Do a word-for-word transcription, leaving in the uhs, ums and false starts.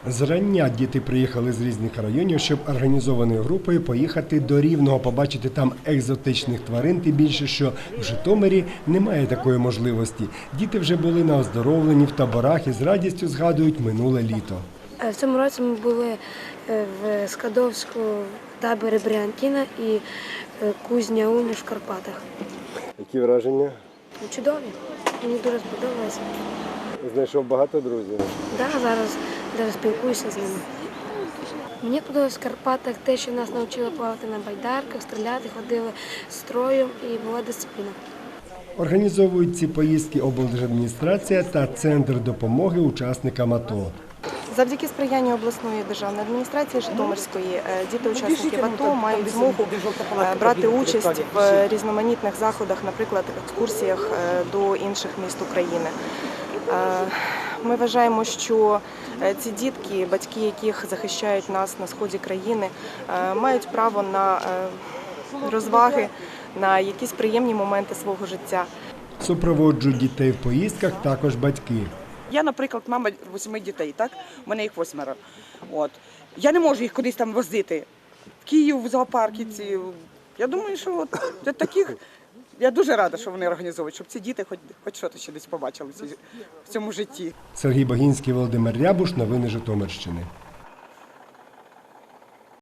Зрання діти приїхали з різних районів, щоб організованою групою поїхати до Рівного, побачити там екзотичних тварин, тим більше, що в Житомирі немає такої можливості. Діти вже були на оздоровленні в таборах і з радістю згадують минуле літо. В цьому році ми були в Скадовську, таборі Бріантіна і Кузня Уні в Карпатах. Які враження? Чудові. Мені дуже сподобалося. Знайшов багато друзів? Так, да, зараз даже спілкуюся з ними. Мені подобалося в Карпатах те, що нас навчили плавати на байдарках, стріляти, ходили строю і була дисципліна. Організовують ці поїздки облдержадміністрація та Центр допомоги учасникам АТО. Завдяки сприянню обласної державної адміністрації Житомирської діти-учасники АТО мають змогу брати участь в різноманітних заходах, наприклад, екскурсіях до інших міст України. Ми вважаємо, що ці дітки, батьки яких захищають нас на сході країни, мають право на розваги, на якісь приємні моменти свого життя. Супроводжують дітей в поїздках також батьки. Я, наприклад, мама восьми дітей, так? У мене їх восьмеро. От. Я не можу їх кудись там возити. В Київ, в зоопарки ці. Я думаю, що от, от таких, я дуже рада, що вони організовують, щоб ці діти хоч, хоч щось ще десь побачили в цьому житті. Сергій Багінський, Володимир Рябуш. Новини Житомирщини.